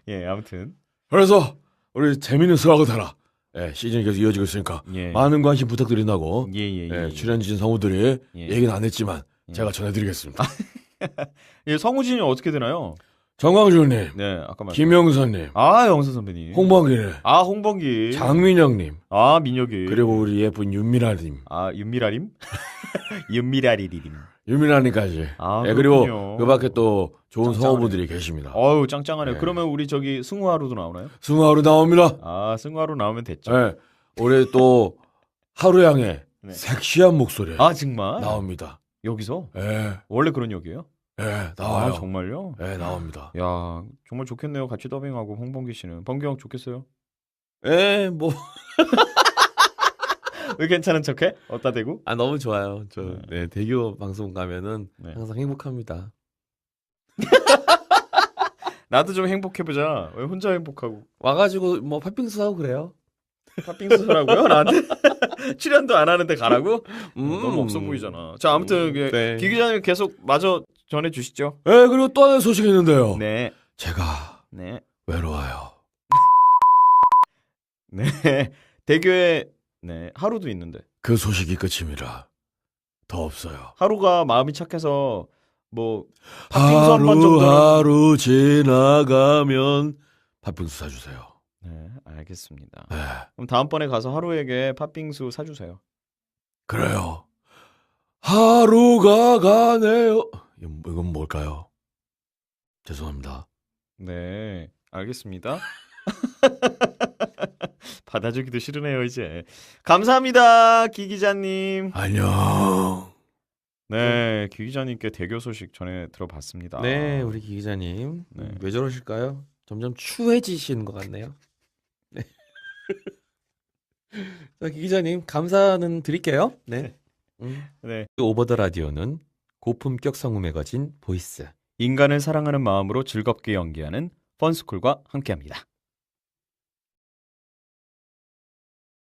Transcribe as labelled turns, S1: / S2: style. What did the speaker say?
S1: 예, 아무튼.
S2: 그래서 우리 재밌는 수학을 타라. 예, 시즌이 계속 이어지고 있으니까
S1: 예.
S2: 많은 관심 부탁드린다고.
S1: 예.
S2: 출연진 성우들이
S1: 예.
S2: 얘기는 안 했지만
S1: 예.
S2: 제가 전해드리겠습니다.
S1: 예, 성우진이 어떻게 되나요?
S2: 정광준님,
S1: 네, 아까 말씀.
S2: 김영선님,
S1: 영선 선배님.
S2: 홍범기님,
S1: 홍범기.
S2: 장민영님,
S1: 민혁이.
S2: 그리고 우리 예쁜 윤미라님,
S1: 윤미라림? 윤미라리리림.
S2: 윤미라님까지.
S1: 그렇군요.
S2: 그리고 그 밖에 또 좋은
S1: 짱짱하네.
S2: 성우분들이 계십니다.
S1: 짱짱하네요.
S2: 네.
S1: 그러면 우리 저기 승우하루도 나오나요?
S2: 승우하루 나옵니다.
S1: 승우하루 나오면 됐죠.
S2: 네, 우리 또 하루양의
S1: 네.
S2: 섹시한 목소리
S1: 정말?
S2: 나옵니다.
S1: 여기서?
S2: 예,
S1: 원래 그런 역이에요?
S2: 나와요.
S1: 정말요?
S2: 예, 나옵니다.
S1: 야, 정말 좋겠네요. 같이 더빙하고 홍범기 씨는. 범기 형 좋겠어요?
S2: 뭐.
S1: 왜 괜찮은 척해? 어따 대고?
S2: 너무 좋아요. 대교 방송 가면은
S1: 네.
S2: 항상 행복합니다.
S1: 나도 좀 행복해보자. 왜 혼자 행복하고.
S2: 와가지고 뭐 팥빙수 하고 그래요.
S1: 팥빙수 하라고요? 나한테? 출연도 안 하는데 가라고? 너무 없어 보이잖아. 자, 아무튼
S2: 네.
S1: 기 기자님 계속 마저 전해주시죠.
S2: 네, 그리고 또 하나 소식이 있는데요.
S1: 네.
S2: 제가
S1: 네.
S2: 외로워요.
S1: 네. 대교에 하루도 있는데.
S2: 그 소식이 끝입니다. 더 없어요.
S1: 하루가 마음이 착해서 뭐 팥빙수 한 번 정도는.
S2: 하루 지나가면 팥빙수 사주세요.
S1: 네, 알겠습니다.
S2: 네,
S1: 그럼 다음번에 가서 하루에게 팥빙수 사주세요.
S2: 그래요. 하루가 가네요. 이건 뭘까요? 죄송합니다.
S1: 네, 알겠습니다. 받아주기도 싫으네요, 이제. 감사합니다, 기 기자님.
S2: 안녕.
S1: 네, 기 기자님께 대교 소식 전해 들어봤습니다.
S2: 네, 우리 기 기자님.
S1: 네.
S2: 왜 저러실까요? 점점 추해지시는 것 같네요. 네. 자, 기 기자님 감사는 드릴게요. 네.
S1: 네.
S2: 오버 더 라디오는 고품격 성우 매거진 보이스.
S1: 인간을 사랑하는 마음으로 즐겁게 연기하는 펀스쿨과 함께합니다.